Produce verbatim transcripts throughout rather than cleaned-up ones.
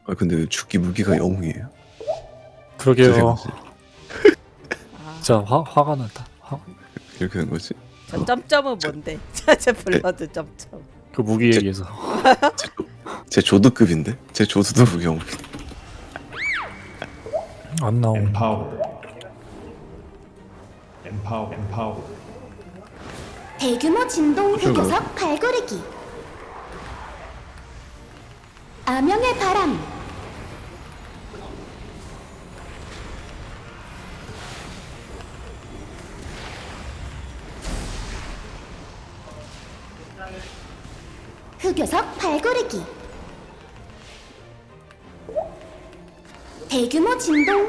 아 근데 왜 죽기 무기가 영웅이에요? 그러게요. 어떻게 된 거지? 아, 진짜 화, 화가 난다. 화, 이렇게 된 거지? 저 점점은 뭔데? 제 블러드 점점. 그 무기 제- 얘기해서. 제, 조- 제 조드급인데? 제 조드도 무기 영웅. 안 나옴. empowered, empower, empowered, 대규모 진동 어쩌고. 흑요석 발구르기 암영의 바람 흑요석 발구르기 대규모 진동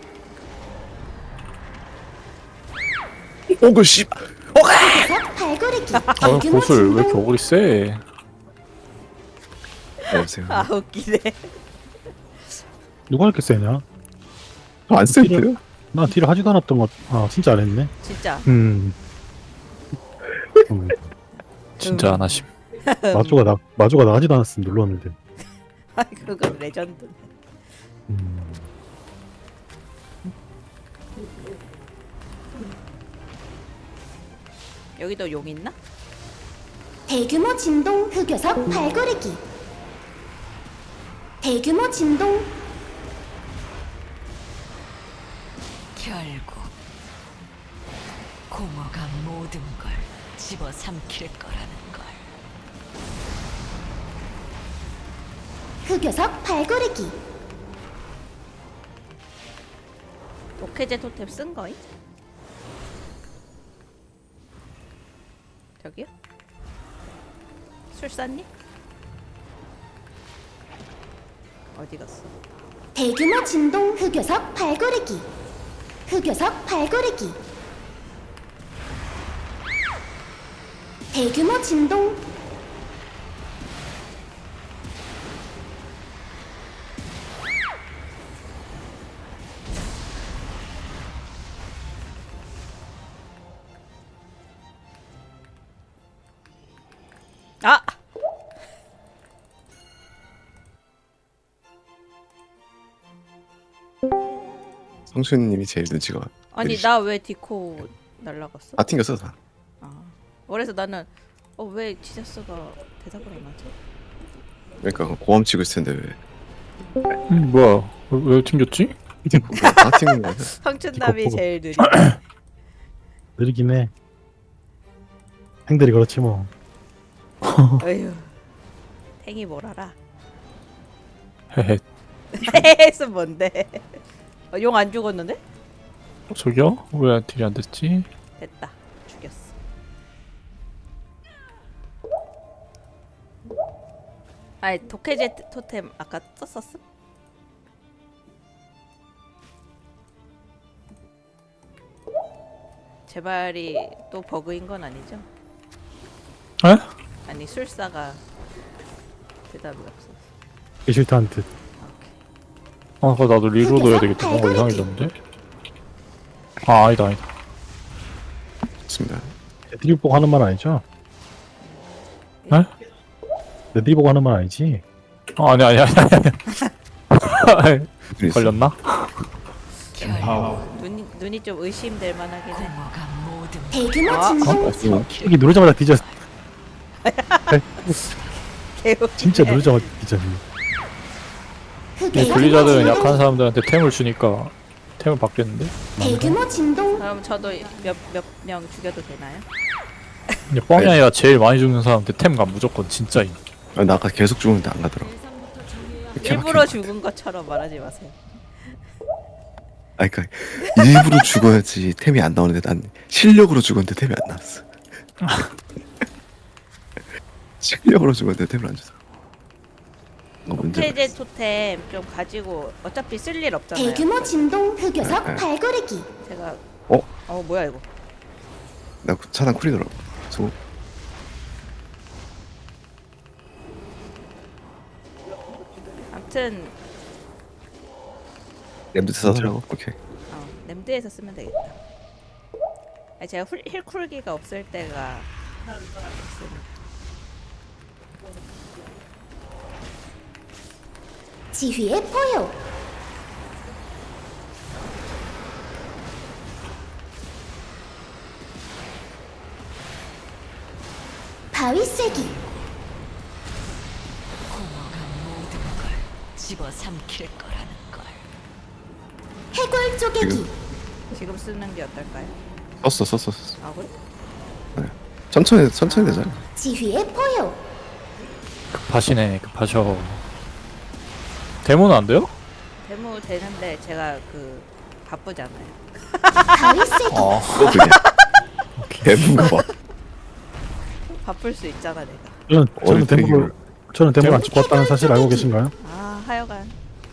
오그 씨. 흑요석 발구르기 어, 대규모 보슬 왜 이렇게 진동 어글이 세? 안녕하세요. 아 웃기네. 누가 이렇게 세냐? 안 센데요? 나 딜을 하지도 않았던 것. 아 진짜 안 했네. 진짜. 음. 음. 진짜 안 하심. 마주가 나 마주가 나가지도 않았으면 눌렀는데. 아 그건 레전드. 음. 여기도 용 있나? 대규모 진동 흑요석 발구르기 대규모 진동 결국 공허가 모든 걸 집어삼킬 거라는 걸. 흑요석 발구르기 오케제 토템 쓴 거임? 저기요? 술사님? 어디 갔어? 대규모 진동 흑요석 발구르기 흑요석 발구르기 대규모 진동 아! 성춘님이 제일 눈치가 아니 느리시- 나 왜 디코 날라갔어? 다 튕겼어 다. 아. 그래서 나는 어 왜 지저스가 대답을 안 하지? 그러니까 고함 치고 있을 텐데 왜? 음, 뭐야? 왜, 왜 튕겼지? 다 튕긴 거야. 성춘남이 디코 제일 느리. 느리긴 해. 행들이 그렇지 뭐. 어휴. 탱이 뭘 알아? 헤헤. 헤헤스 뭔데? 어, 용 안 죽었는데? 어, 저기요? 왜 딜이 안 됐지? 됐다. 죽였어. 아니 도케제 토템 아까 썼었음? 제발이 또 버그인 건 아니죠? 에? 아니 술사가 대답이 없어. 게실트한 듯. 아, 그거 나도 리로드 해야 되겠다. 뭔가 이상해졌는데? 아, 아니다, 아니다. 좋습니다. 애들이 보고 하는 말 아니죠? 에? 애들이 보고 하는 말 아니지? 아, 아니, 아니, 아니, 아니. 눈이 있어. 걸렸나? empowered, 눈이 눈이 좀 의심될 만하긴 해. 공허가 모든 걸 대규모 아, 진동 여기 누르자마자 뒤져. 개우. 진짜 누르자마자 뒤져. 이 흑요석 블리자드는 진동 약한 사람들한테 템을 주니까 템을 받겠는데? 대규모 진동 그럼 저도 몇 몇 명 죽여도 되나요? 근데 뻥이 아니라 제일 많이 죽는 사람한테 템가 무조건 진짜임. 아, 나 아까 계속 죽었는데 안 가더라. 일부러 죽은 것처럼 말하지 마세요. 아 그러니까 일부러 죽어야지 템이 안 나오는데 난 실력으로 죽었는데 템이 안 나왔어. 실력으로 죽었는데 템을 안 줬어. 이거 문제. 오케제 토템 좀 가지고 어차피 쓸 일 없잖아요. 대규모 진동 흑요석 네, 네. 발구르기 제가 어? 어 뭐야 이거? 나 차단 쿨이더라고. 소. 아무튼 램드 써더라고. 오케이. 어, 램드에서 쓰면 되겠다. 아니, 제가 훌, 힐쿨기가 없을 때가 있으니까. 지휘의 포효. 바위 쐐기. 공허가 모든 걸 집어삼킬 거라는 걸. 해골 쪼개기. 지금? 지금 쓰는 게 어떨까요? 썼어 썼어 썼어. 아 그래? 천천히 천천히 되잖아. 지휘의 포효. 급하시네 급하셔. 데모는 안 돼요? 데모 되는데 제가 그 바쁘잖아요. 바위 쐐기. 어. 또 그냥. 대부가. 바쁠 수 있잖아 내가. 저는 저는 어릴 때 데모를 저는 데모를 안 찍고 왔다는 사실 알고 계신가요? 아 하여간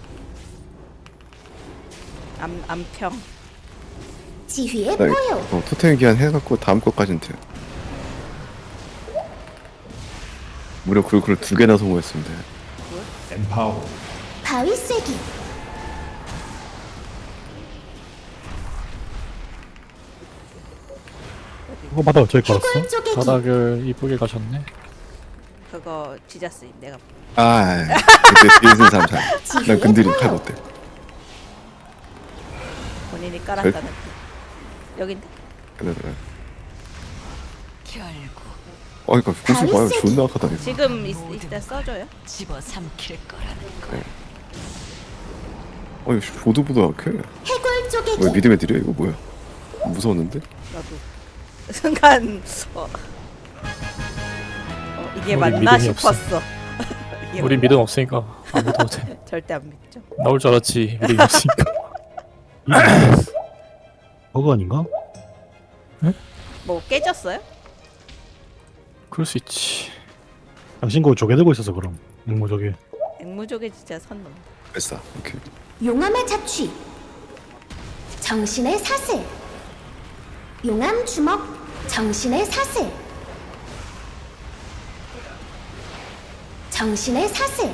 암 암평. 지휘의 나 포효. 어, 토템 기한 해갖고 다음 것까지는 돼. 무려 그걸 두 개나 성공했습니다. empower, 바위 쐐기. 그거 받아 저기 걸었어. 해골 쪼개기. 바닥을 이쁘게 가셨네. 그거 지자스임 내가. 아, 그때 뒤에 있는 사람 잘. 난 지휘의 근들이 칼 포효. 어때? 본인이 깔았다는 뜻. 여긴데. 그래 그래. 결국 어, 그러니까 고수 봐요. 존나 악하다니까. 지금 있, 이때 써줘요? 집어삼킬 거라는 걸. 어이, 보드보다 약해. 해골 쪼개기. 왜 믿음에 드려 이거 뭐야? 무서웠는데? 나도 순간 어, 어 이게 우리 맞나 믿음이 없어. 싶었어. 이게 우리 맞나? 믿음 없으니까 안 믿어도 돼. 절대 안 믿죠. 나올 줄 알았지. 믿음 없으니까. 버그 아닌가? 뭐 깨졌어요? 그럴 수 있지. 당신 그거 조개 들고 있어서 그럼. 앵무 조개. 앵무족에 진짜 선 넘. 됐어. 오케이. 용암의 자취. 정신의 사슬. 용암 주먹. 정신의 사슬. 정신의 사슬.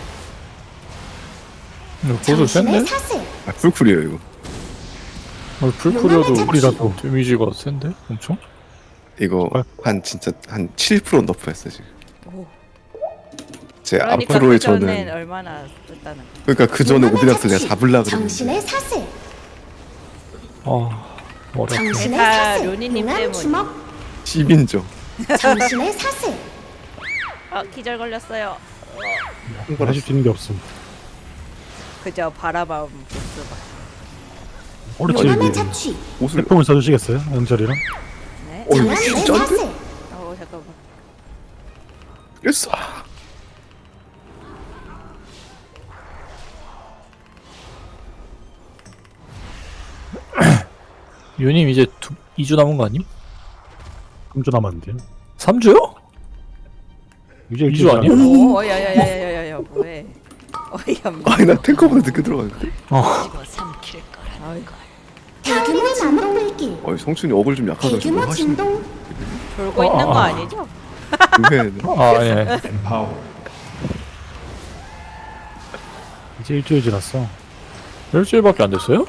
이거 보드 정신의 센데? 사슬. 아, 풀쿨이에요 이거. 어, 불풀려도 용암의 우리라도. 데미지가 센데? 엄청? 이거 아. 한 진짜 한 칠 퍼센트 너프했어 지금. 오. 제 그러니까 앞으로의 그 전엔 저는 얼마나 썼다는 거. 그러니까 그 전에 용암의 오비락스 내가 자취. 잡으려 그랬는데 정신의 사슬. 아 머리 아프네. 정신의 다 사슬. 료니님 용암 때문이야. 주먹. 십인조. 정신의 사슬. 아 기절 걸렸어요. 이걸 해줄 수 있는 게 없음. 그저 바라봐온 보스가. 옳지. 용암의 자취. 옷을 태풍을 써주시겠어요? 영철이랑? 네. 어 이거 정신의 진짜인데? 사슬. 어 잠깐만. 됐어. 유님 이제 두, 이 주 남은 거 아님? 삼 주 남았는데요. 삼 주요? 이제 이 주 아니야? 오 야야야야야야 뭐해? 어이없네. 아니 나 탱커보다 늦게 들어갔는데. 어. 집어삼킬 거라는 아이, 걸. 대규모 진동. 어 성춘이 어글 좀 약하다. 지금 대규모 하시는 진동. 졸고 있는 거 아니죠? 왜? 아 예. empower, 이제 일주일 지났어. 일주일밖에 안 됐어요?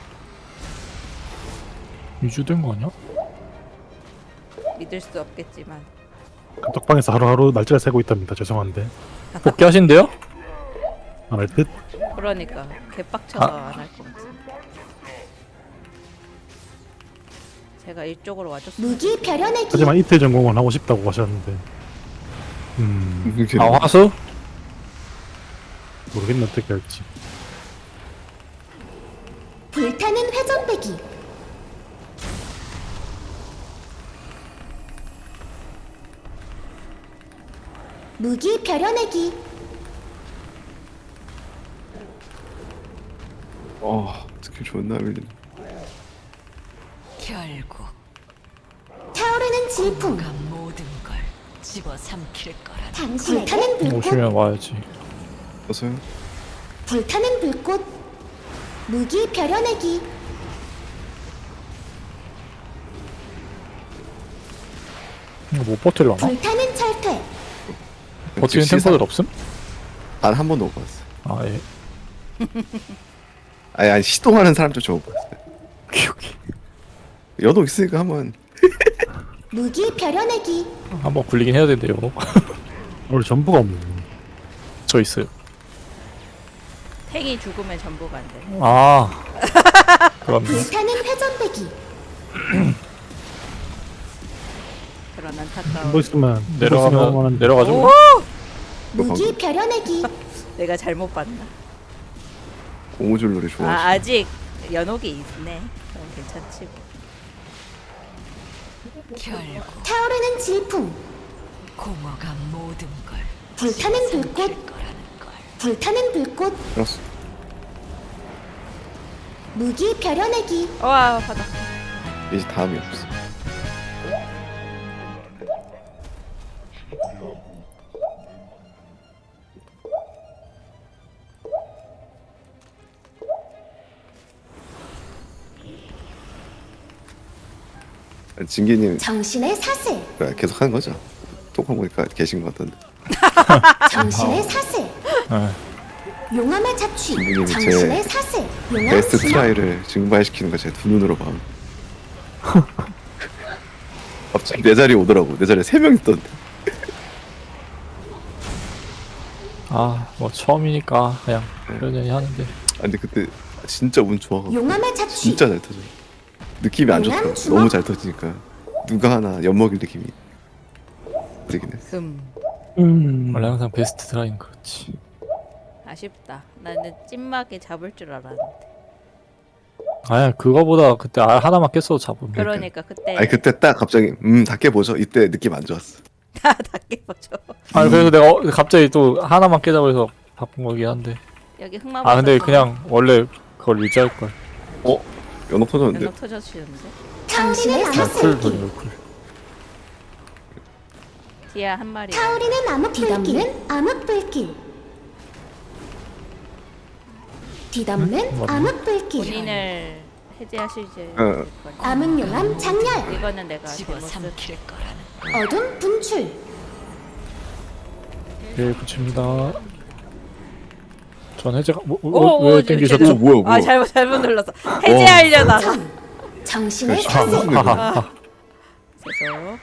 이 주 된 거 아니야? 믿을 수 없겠지만. 떡방에서 하루하루 날짜를 세고 있답니다. 죄송한데. 복귀하신대요? 안 할 듯? 그러니까 개빡쳐서 아. 안 할 것 같아. 제가 이쪽으로 와줬어요. 무기 벼려내기. 하지만 이틀 전공은 하고 싶다고 하셨는데. 음, 이렇게 아 화수? 모르겠네 어떻게 할지. 불타는 회전배기. 무기 벼려내기. 어 스킬 존나 밀리네. 결국 타오르는 질풍. 공허가 모든 걸 집어삼킬 거라는 당신의 불타는 불꽃. 오시면 와야지. 어서요. 불타는 불꽃. 무기 벼려내기. 이거 못 버틸라나? 불타는 철퇴. 버티는 탱커들 없음? 단한 번도 못 봤어. 아 예. 아니 아니 시동하는 사람 좀 못 봤어. 오케이 오케이. 여도 있으니까 한번. 무기 벼려내기. 한번 굴리긴 해야 된대요. 원래 전부가 없네. 저 있어요. 탱이 죽으면 전부가 안 돼. 아 그럼 불타는 회전배기. 그런 뭐 안타까운. 있으면 내려가면 내려가죠. 오! 무기 벼려내기. 내가 잘못 봤나? 고무줄 놀이 아 좋아하시. 아직 연옥이 있네. 그럼 괜찮지. 뭐. 결국 타오르는 질풍. 공허가 모든 걸 불타는 불꽃. 삼킬 거라는 걸. 불타는 불꽃. 알았어. 무기 벼려내기. 와 바닥. 이제 다음이 없어. 진기님 정신의 사슬. 계속 하는 거죠? 톡방 보니까 계신 것 같던데. 정신의 사슬. 네. 용암의 자취. 선생님이 제 정신의 사슬. 용암 베스트 진화. 트라이를 증발시키는 거 제 두 눈으로 봐. 갑자기 내 자리에 오더라고. 내 자리에 세 명 있던데. 아뭐 처음이니까 그냥 그러려니 하는데. 아 근데 그때 진짜 운 좋아가지고 용암의 자취. 진짜 잘 터져. 느낌이 안 좋더라고. 주먹? 너무 잘 터지니까 누가 하나 엿먹일 느낌이 되긴 했어. 금. 음. 원래 항상 베스트 트라이는 그렇지. 아쉽다. 나는 찐막에 잡을 줄 알았는데. 아야 그거보다 그때 알 하나만 깼어도 잡으면. 그러니까 그때 아니 그때 딱 갑자기 음 다 깨보죠. 이때 느낌 안 좋았어. 다 닦여보죠. 아니 그래서 내가 어- 갑자기 또 하나만 깨자고 해서 바꾼 거긴 한데. 여기 흑마. 아 근데 그냥 원래 그걸 유지할 걸. 어? 연옥 터졌는데? 연옥 터져주는데. 정신의 그냥 쿨 사슬. 돌리고 쿨. 디아 한 마리. 타오르는 암흑불길. 암흑불길. 뒤덮는 응? 맞네. 암흑불길. 본인을 해제하시지. 어. 암흑용암 장렬. 이거는 내가 집어 잘못 쓴. 삼킬 거라는 어둠 분출. 예 붙입니다. 전 해제가 뭐, 오, 뭐, 오, 왜 지금 땡기셨죠? 오 뭐야 뭐야. 아 잘못 잘못 눌렀어. 해제하려다가. 정신의 그렇지. 사슬. 무슨 일이야. 아. 그래서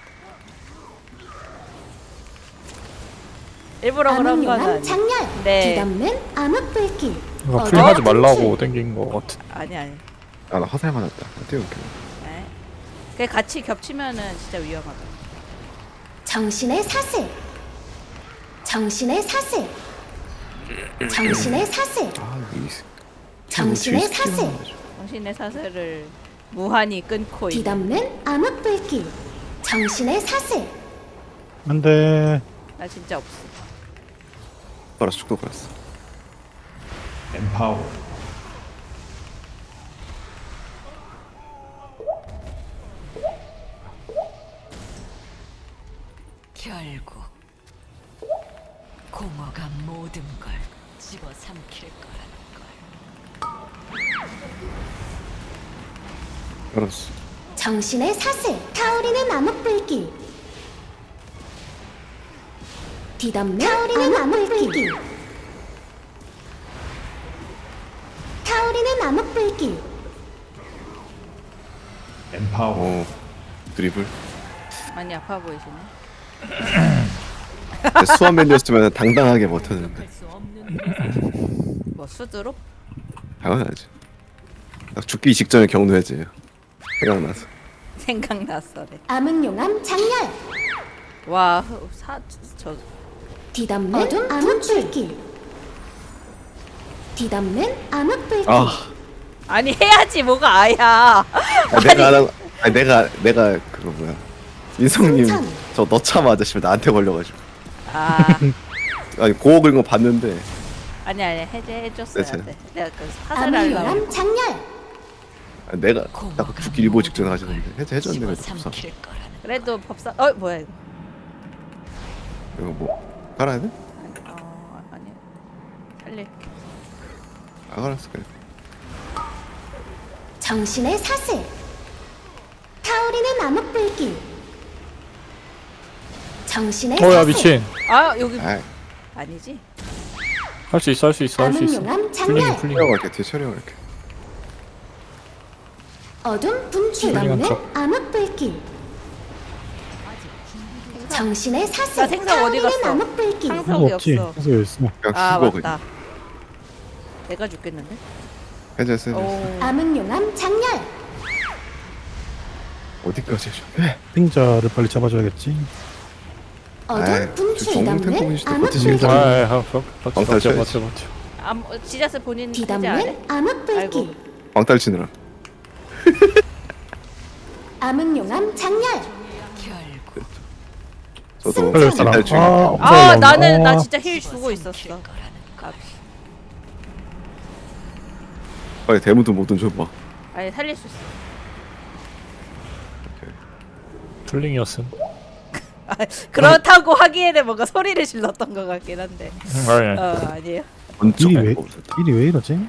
일부러 그런 건 암흑용암 아니. 장렬. 네. 뒤덮는 암흑불길. 그러니까 어둠 풀링하지 말라고 분출. 땡긴 거 같은. 아니 아니. 아나 화살 맞았다. 어때요? 네. 그 같이 겹치면은 진짜 위험하다. 정신의 사슬. 정신의 사슬. 정신의 사슬. 아 이게 있- 정신의 뒤에 스킬이 사슬. 나와가지고. 당신의 사슬을 무한히 끊고 있는. 뒤덮는 암흑불길. 정신의 사슬. 안돼. 나 진짜 없어. 빨았어 축도 빨았어. empower, 결국 공허가 모든 걸 집어 삼킬 거라는 걸. 빨았어. 정신의 사슬. 타오르는 암흑불길. 뒤덮는 타오르는 암흑불길. 타오르는 암흑불길. empower, 어 드리블. 많이 아파 보이시네. 수완맨이었으면 당당하게 버텼는데. 뭐 수두룩? 당연하지. 딱 죽기 직전에 경도해지. 생각나서. 생각났어래. 암흑용암 장렬. 와, 흐- 사, 저 뒤덮는 어둠 암흑불길. 뒤덮는 암흑불길. 아 아니 해야지 뭐가 아야. 아, 내가 안 한- 아니 내가 내가 그거 뭐야 인성님 승천. 저 너참 아저씨 나한테 걸려가지고 아, 아니 고어 긁은 거 봤는데 아니 아니 해제해줬어야 네, 돼. 내가 그 사슬하려고. 암흑용암 장렬. 아, 내가 공허가 딱 죽기 일보 직전에 모든 하시는데 걸 해제 해줬는데 집어 없어. 삼킬 거라는 걸. 그래도 법사. 어 뭐야 이거? 이거 뭐 깔아야 돼? 아니, 어 아니 살릴게. 안 깔았어 그래. 정신의 사슬. 타오르는 암흑불길. 정신의 어야 사슬. 미친. 아 여기 아 아니지? 할 수 있어 할 수 있어 할 수 있어. 암흑용암 풀링이 장렬. 풀링. 촬영할게 뒤에 촬영할게. 어둠 분출. 풀링한 뒤덮는 척. 암흑불길. 정신의 나 사슬. 생선 어디 타오르는 갔어? 암흑불길. 항상- 없지. 없어. 그래서 있어. 그냥 아 죽어 맞다. 그냥. 내가 죽겠는데? 해제했어요. 오. 암흑용암 장렬. 어디까지 해줘? 핑자를 빨리 잡아줘야겠지. 어둠 아이, 분출 저 정글 탱커 뒤덮는 분이시다. 암흑 버티시는 불길. 사람. 아이 하 버텨 방탈 버텨 쳐야지. 버텨 버텨. 암 어, 지자스 본인 해제 안 해? 뒤덮는 암흑 불길. 아이고. 방탈 치느라. 암흑용암 장렬. 결국 저도 빨리 사람. 방탈 중에. 아, 아 없어요. 나는 나 아, 진짜 힐 주고 있었어. 삼킬 거라는 아, 빨리 대문도 뭐든 줘봐. 아니 살릴 수 있어. 툴링이었음. 아, 그렇다고 하기에는 뭔가 소리를 질렀던 것 같긴 한데. 아니 어 아니에요. 번쩍 일이 왜 거 없었다. 일이 왜 이러지?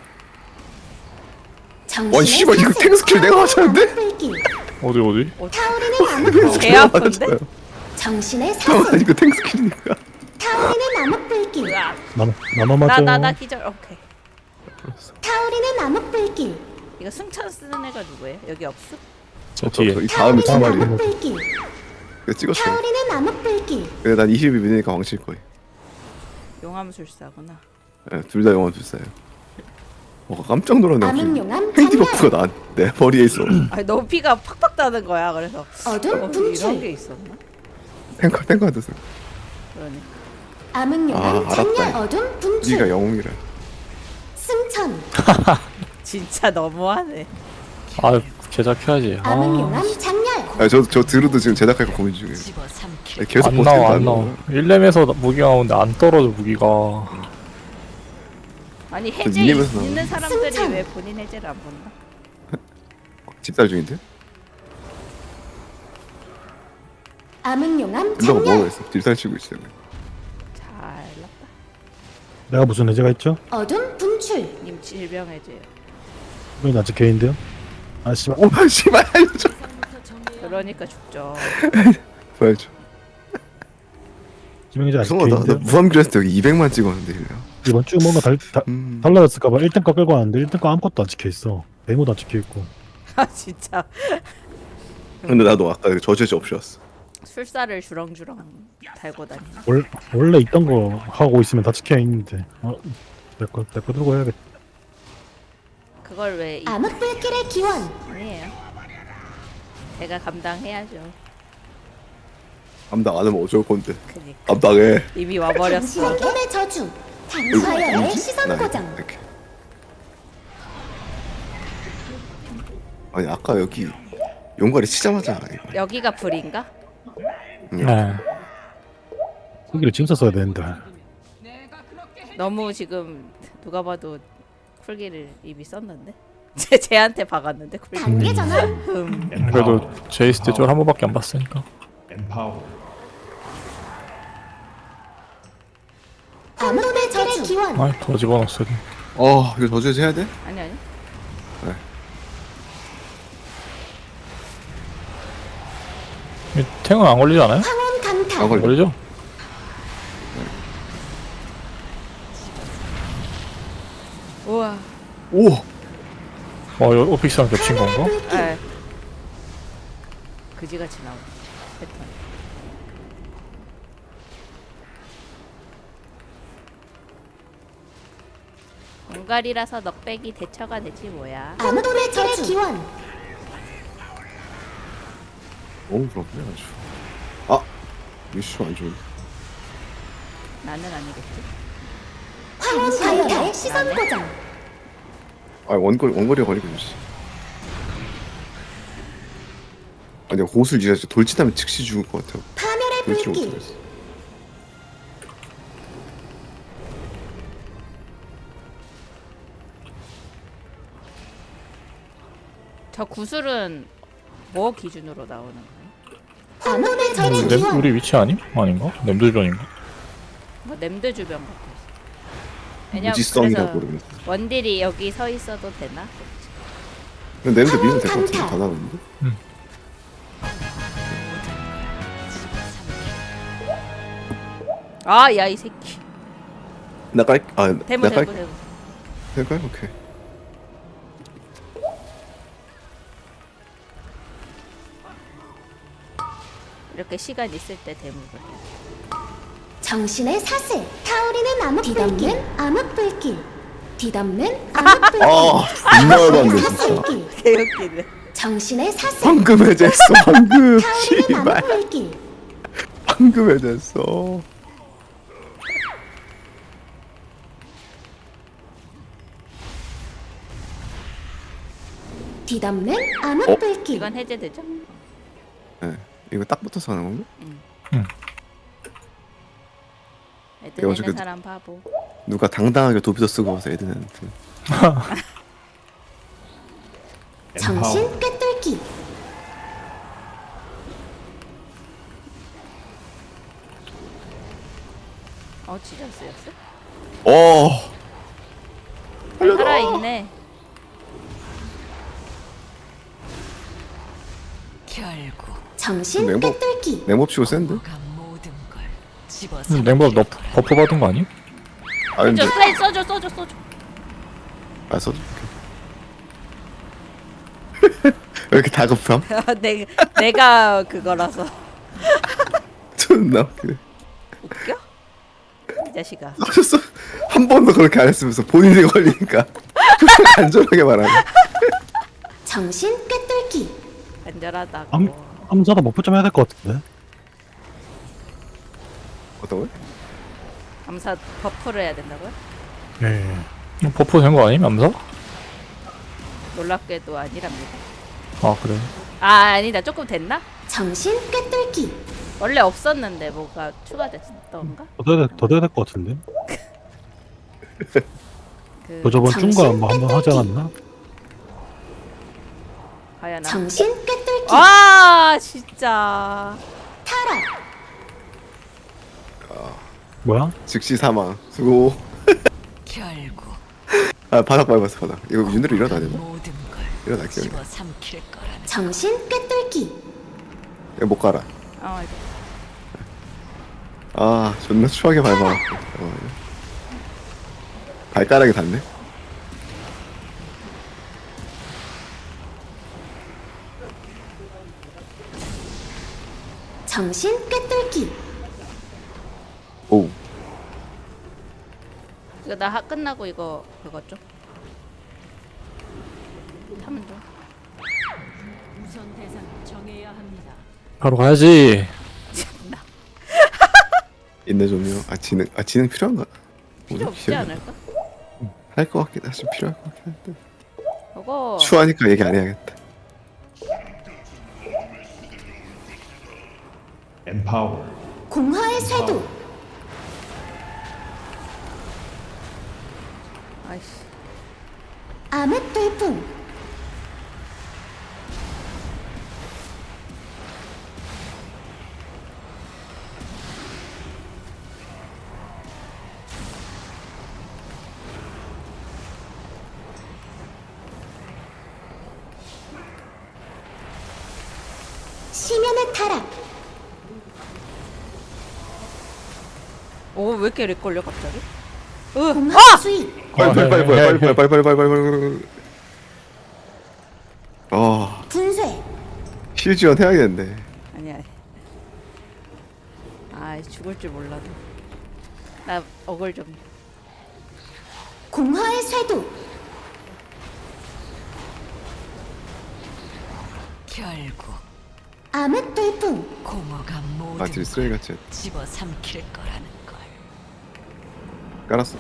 와 씨발 이거 탱 스킬 내가 맞췄는데? 불길. 어디 어디? 타오르는 암흑 불길. 개 아픈데? 정신의 아 사슬. 이거 탱 스킬이니까. 타오르는 암흑 불길. 으악. 나만 나만 맞아. 나 나 나 기절. 오케이. 타오르는 암흑 불길. 이거 승천 쓰는 애가 누구예요? 여기 없어? 저 뒤에. 이 다음에 두 타오르는 마리. 암흑 불길. 이거 찍었어. 타오르는 암흑 불길. 근데 난 이십이 미니까 왕칠 거예요. 용암술사구나. 네, 둘 다 영원 불사예요. 어 깜짝 놀랐네. 암흑용암 헤이디 장렬. 버프가 나내 머리에 있어. 아니 너무 피가 팍팍 나는 거야. 그래서 어둠 어, 이런 게 분출. 있었나? 탱커 탱커한테 서 그러니까. 암흑용암 아, 알았다. 장렬. 어둠 분출. 네가 영웅이라. 승천. 진짜 너무하네. 아 제작해야지. 아 암흑용암 장렬. 아저저 드루도 지금 제작할까 고민 중이에요. 집어 삼킬 계속 안 버티고 나와 안 안 나와. 나와. 일 렘에서 무기가 나오는데 안 떨어져 무기가. 아니 해제 미니맵에서 나오는 있는 사람들이 승천. 왜 본인 해제를 안 본다? 집살 중인데? 암흑용암 딜러가 뭐가 장렬. 있어? 집살 치고 있어요. 잘났다. 내가 무슨 해제가 있죠? 어둠 분출. 님 질병 해제요. 이건 아직 개인데요. 아 씨발. 오 씨발 알려줘. 그러니까 죽죠. 보여줘. 지명이제 아직 성아 나, 나 개인데요. 무함기했을 때 여기 이백만 찍었는데 일려. 이번 주 뭔가 달, 다, 음. 달라졌을까봐 일 등 거 끌고 왔는데 일 등 거 아무것도 안 찍혀있어. 메모도 안 찍혀있고. 아 진짜 근데 나도 아까 저지지 없이 왔어. 술사를 주렁주렁 달고 다니나? 월, 원래 있던 거 하고 있으면 다 찍혀있는데. 어, 내거 내 거 들고 해야겠다. 그걸 왜 이... 암흑 불길의 기원. 아니에요. 제가 감당해야죠. 감당 안 하면 어쩔 건데. 그니까 감당해. 이미 와버렸어. 당신의 저주. 이거 당사연의 뭐지? 시선 나 고정. 이렇게. 아니 아까 여기 용가리 치자마자 이거. 여기가 불인가? 네. 후기를 지금 썼어야 되는데. 너무 지금 누가 봐도 쿨기를 이미 썼는데? 제 쟤한테 박았는데 쿨기. 단계 전환. 음. 그래도 제이스 때 저를 한 번밖에 안 봤으니까. empower, 암흑 불길의 기원. 아이 더 집어넣었어. 어 이거 저지지 해야 돼? 아니 아니. 탱은 안 걸리지 않아요? 황혼 안 강타. 걸려. 걸리죠? 우와. 오. 어 이거 오픽스랑 겹친 건가? 에. 그지같이 나오네. 패턴. 공갈이라서 넉백이 대처가 되지 뭐야. 암흑 불길의 기원. 너무 부럽네 아주. 아 이슈 안 좋은데. 나는 아니겠지. 황혼 강타의 시선 고정. 아 원거리 원거리가 걸리고 있지. 아니 호술 진짜 돌진하면 즉시 죽을 것 같아. 파멸의 돌진을 불길. 못하겠어. 저 구슬은 뭐 기준으로 나오는 거예요? 암흑 불길의 램 기원. 우리 위치 아님? 아닌가? 램드 주변인가? 뭐 냄드 주변 같아 있어. 왜냐면 무지성이라 그래서 모르겠어. 원딜이 여기 서 있어도 되나? 근데 냄새 미면 될 것 같은데 다 나오는데? 아, 야 이 새끼. 나 깔, 아, 대무 나 깔, 대무 대무. 될까요? 오케이. 이렇게 시간 있을 때 대무를 해. 정신의 사슬. 타오르는 암흑 불길. 암흑 불길. 뒤덮는 암흑불길. 아 존나 열받네 진짜. 사슬길. 개웃기네. 정신의 사슬. 방금 해제했어 방금. 타오르는 씨발 암흑불길. 방금 해제했어. 뒤덮는 암흑불길. 이건 해제되죠? 네. 이거 딱 붙어서 하는 건가? 애들 이거 내는 저기- 사람 바보. 누가 당당하게 도비도 쓰고 와서 애들한테. 정신 Empower. 꿰뚫기. 어 진짜 쓰였어? 어. 살아있네. 결국 정신 냉복. 꿰뚫기. 냉법 치고 센데? 뭐가 모든 걸 집어 음, 냉밥 너 버프 받은 거 아니? 아 근데 저 슬라이 써줘 써줘 써줘. 아 써줘. 왜 이렇게 다급함? 내, 내가 그거라서 존나 웃기네. 웃겨? 이 자식아. 써줬어. 한 번도 그렇게 안 했으면서 본인이 걸리니까 안전하게 말하네. 정신 꿰뚫기. 안전하다고. 암, 암사다 못 붙자면 해야 될 것 같은데. 어떤 거야? 감사 버프를 해야 된다고요? 예. 어, 버프 된 거 아님? 암사? 놀랍게도 아니랍니다. 아 그래. 아 아니다 조금 됐나? 정신 꿰뚫기. 원래 없었는데 뭐가 추가됐던가? 더 돼야, 돼- 더 돼야 될 것 같은데. 그 너 저번 정신 중간 뭐 한번 하지 꿰뚫기. 않았나? 과연 아, 정신 꿰뚫기. 아 진짜 타락. 뭐야? 즉시 사망. 수고. 결국 아 바닥 밟았어 바닥. 이거 윤으로 일어나야 되나? 모든 걸 일어날게요. 집어 삼킬 거라는 정신 꿰뚫기. 이거 못 가라. 어 이제 아 존나 추하게 밟아. 어, 발가락이 닿네. 정신 꿰뚫기. 오. 이거 나 하, 끝나고 이거 그거 좀 하면 좀 바로 가야지. 인내 좀요. 아 지능 아 지능 필요한가? 필요 없지 않을까? 할것 같긴 하지 필요할 것 같긴 한데. 그거 추하니까 얘기 안 해야겠다. Empower. 공허의 쇄도. 아이씨 암흑 돌풍. 심연의 타락. 오 왜 이렇게 렉 걸려 갑자기? 으 공허 수익. 빨리 빨리 빨리 해, 빨리 해, 빨리 해. 빨리 빨리 빨리 빨리 빨리. 어 분쇄. 실 지원 해야겠는데. 아니 아니 아 죽을 줄 몰라도 나 억울 좀 공허의 쇄도. 결국 암흑 돌풍. 공허가 모든 아 딜 쓰레기 같이 집어 삼킬 거라는 걸 깔았어.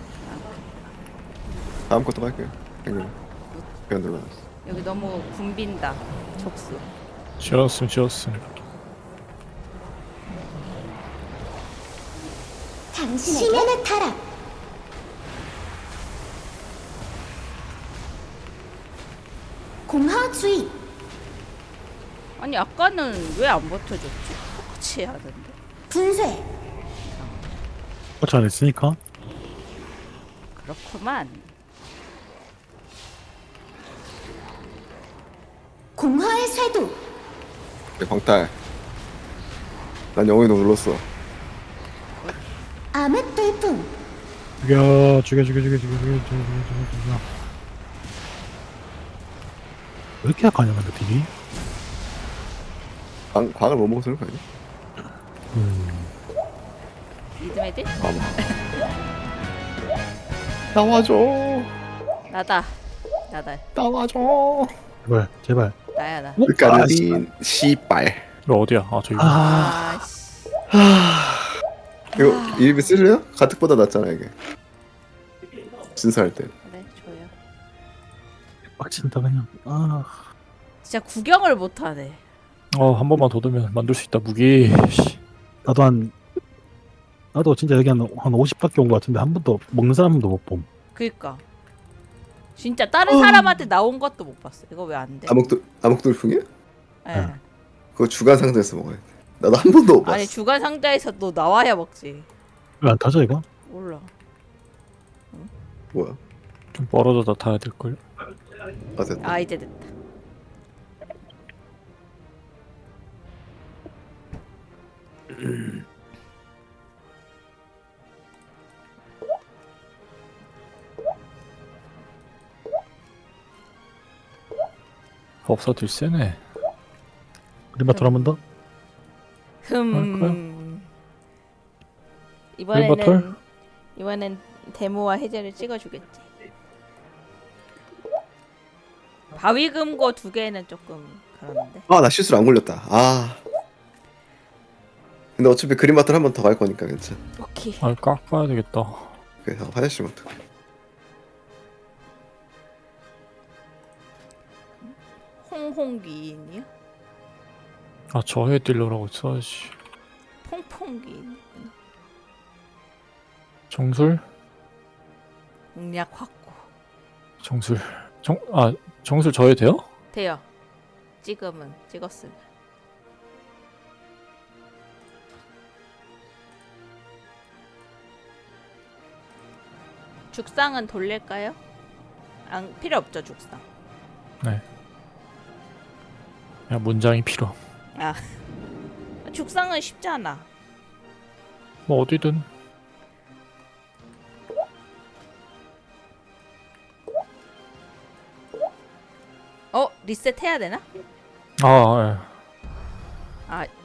다음 것도 갈게요. 생각. 그냥 눌러놨어. 여기 너무 붐빈다 촉수 지었음 지었음. 당신에게 심연의 타락. 공허 주의. 아니 아까는 왜 안 버텨줬지? 똑같이 해야 하던데 분쇄. 같이 안 했으니까. 그렇구만 공허의 쇄도. 내 광탈. 난 영혼이 너무 눌렀어. 암흑 돌풍. 죽여, 죽여, 죽여, 죽여, 죽여, 죽여, 죽여, 죽여, 죽여. 왜 이렇게 약하냐, 근데 딜이? 광 광을 못 먹어서 그런 거 아니야? 음. 리듬 애들? 아마. 나와줘. 나다. 나다. 나와줘. 제발 제발. 나야 나. 까르딘 씨발. 이거 어디야? 아 저기. 아 아씨. 이거 일비 쓸래요? 가특보다 낫잖아 이게. 진사할 때. 그래 줘요. 빡친다 그냥. 아 진짜 구경을 못하네. 어한 번만 더 두면 만들 수 있다 무기. 씨. 나도 한 나도 진짜 여기 한, 한 오십밖에 온 것 같은데 한 번도 먹는 사람도 못 봄. 그니까. 진짜 다른 사람한테 나온 것도 못 봤어. 이거 왜 안 돼? 암흑돌 암흑돌풍이야? 예. 그거 주간 상자에서 먹어야 돼. 나도 한 번도 못 봤어. 아니 주간 상자에서 너 나와야 먹지. 왜 안 타져 이거? 몰라. 뭐야? 좀 멀어져 나타야 될 걸. 아 됐다. 아 이제 됐다. 법사 딜 세네. 그림마트 한번 더? 흠. 멤버털? 이번에는 이번엔 데모와 해제를 찍어주겠지. 바위금고 두 개는 조금 그런데. 아 나 실수로 안 걸렸다. 아. 근데 어차피 그린마트를 한 번 더 갈 거니까 괜찮아. 오케이. 아 깎아야 되겠다. 그래서 화장실부터. 홍홍기인이요? 아 저해 딜러라고 써야지. 퐁퐁기인. 정술? 공략 확고. 정술. 정 아 정술 저해 돼요? 돼요. 지금은 찍었으면. 죽상은 돌릴까요? 안 필요 없죠 죽상. 네. 야 문장이 필요. 아 죽상은 쉽잖아. 뭐 어디든. 어 리셋 해야 되나? 아 예. 아